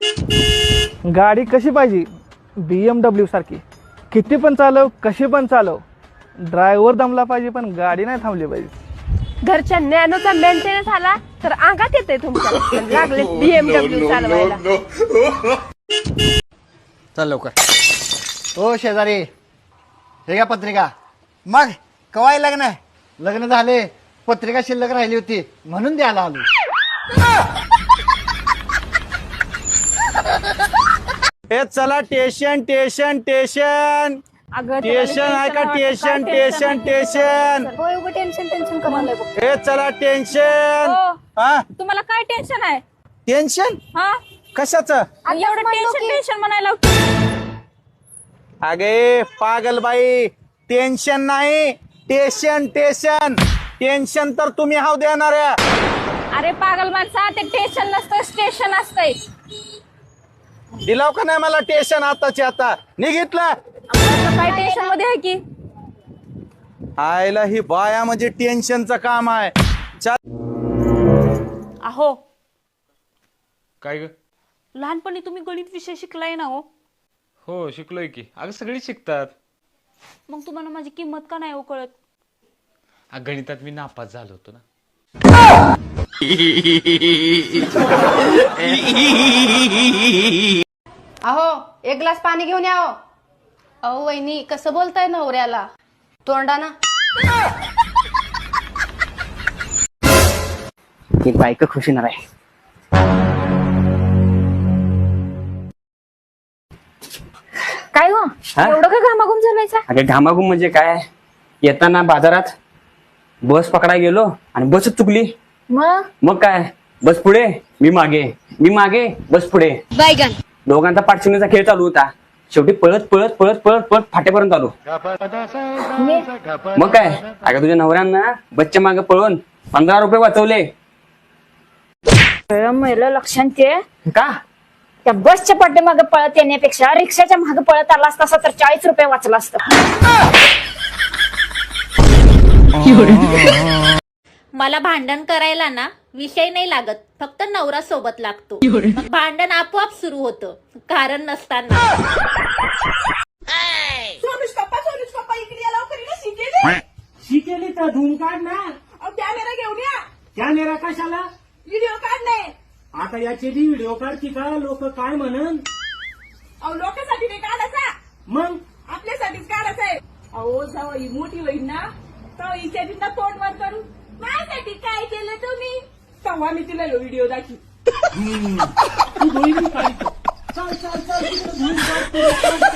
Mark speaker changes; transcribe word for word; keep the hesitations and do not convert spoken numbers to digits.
Speaker 1: गाडी कशी पाहिजे? बी एम डब्ल्यू सारखी, किती पण चालव, कशी पण चालव. ड्रायव्हर दमला पाहिजे पण गाडी नाही थांबली पाहिजे.
Speaker 2: घरच्या नॅनोचा मेंटेनन्स आला तर अंगात येते तुमच्या. लागले बीएमडब्ल्यू चालवायला.
Speaker 3: चल लवकर. हो शेजारी, हे घ्या पत्रिका. मग कवाय लग्न? लग्न झाले, पत्रिका शिल्लक राहिली होती म्हणून द्यायला आलो.
Speaker 4: ए चला टेशन टेशन टेशन टेशन आहे का? Tension tension tension
Speaker 2: tension tension करायला.
Speaker 4: ए चला टेन्शन. हा
Speaker 2: तुम्हाला काय टेन्शन आहे?
Speaker 4: टेन्शन
Speaker 2: हा
Speaker 4: कशाचं?
Speaker 2: एवढं टेन्शन टेन्शन म्हणायला.
Speaker 4: अगे पागल बाई, टेन्शन नाही, टेशन टेशन. टेन्शन तर तुम्ही हाव देणाऱ्या.
Speaker 2: अरे पागल माणसा, ते टेन्शन नसतं, स्टेशन असतंय.
Speaker 4: दिलाव का नाही मला टेन्शन आताची आता? निघितलं
Speaker 2: काय टेन्शन मध्ये आहे की?
Speaker 4: आयला ही बाया म्हणजे टेन्शनचं काम आहे.
Speaker 5: अहो
Speaker 6: काय ग?
Speaker 5: लहानपणी तुम्ही गणित विषय शिकलाय ना? हो
Speaker 6: हो शिकलोय की. अगं सगळी शिकतात.
Speaker 5: मग तुम्हाला माझी किंमत का नाही हो कळत?
Speaker 6: अगं गणितात मी नापास झालो होतो ना.
Speaker 2: अहो एक ग्लास पाणी घेऊन या. अहो वहिनी, कसं बोलताय नवऱ्याला? तोंडाना.
Speaker 3: एक बायका खुश होणार आहे.
Speaker 2: काय हो एवढं का घामाघूम झालायचा?
Speaker 7: अगं घामाघूम म्हणजे काय? येताना बाजारात बस पकडा गेलो आणि बसच चुकली.
Speaker 2: मग
Speaker 7: मग काय, बस पुढे मी मागे, मी मागे बस पुढे.
Speaker 2: बायगन.
Speaker 7: दोघांचा पाठशिवणीचा खेळ चालू होता. शेवटी पळत पळत पळत पळत पळत फाट्यापर्यंत आलो. मग काय, अगं तुझ्या नवऱ्यांना बसच्या मागे पळून पंधरा रुपये वाचवले.
Speaker 2: महिला लक्षात ये.
Speaker 7: का?
Speaker 2: त्या बसच्या पाठीमागे पळत येण्यापेक्षा रिक्षाच्या मागे पळत आला असता तर चाळीस रुपये वाचला असतं.
Speaker 8: मला भांडण करायला ना विषय नाही लागत, फक्त नवरा सोबत लागतो. मग भांडण आपोआप सुरू होतं, कारण नसताना.
Speaker 9: शिकेली तर धूम काढ ना. कॅमेरा घेऊन या. कॅमेरा कशाला? व्हिडिओ काढणे. आता याचे बी व्हिडिओ काढती का? लोक काय म्हणन? अहो लोकांसाठी नाही काढायचा, मग आपल्यासाठीच काढायचं आहे. अहो जेव्हा ही मोठी होईल ना तेव्हा हिच्या तिला तोंड वर करू. माझ्यासाठी काय केलं तुम्ही? तेव्हा मी तिला व्हिडिओ दाखवी. तू धुळी काढ. चल चल चल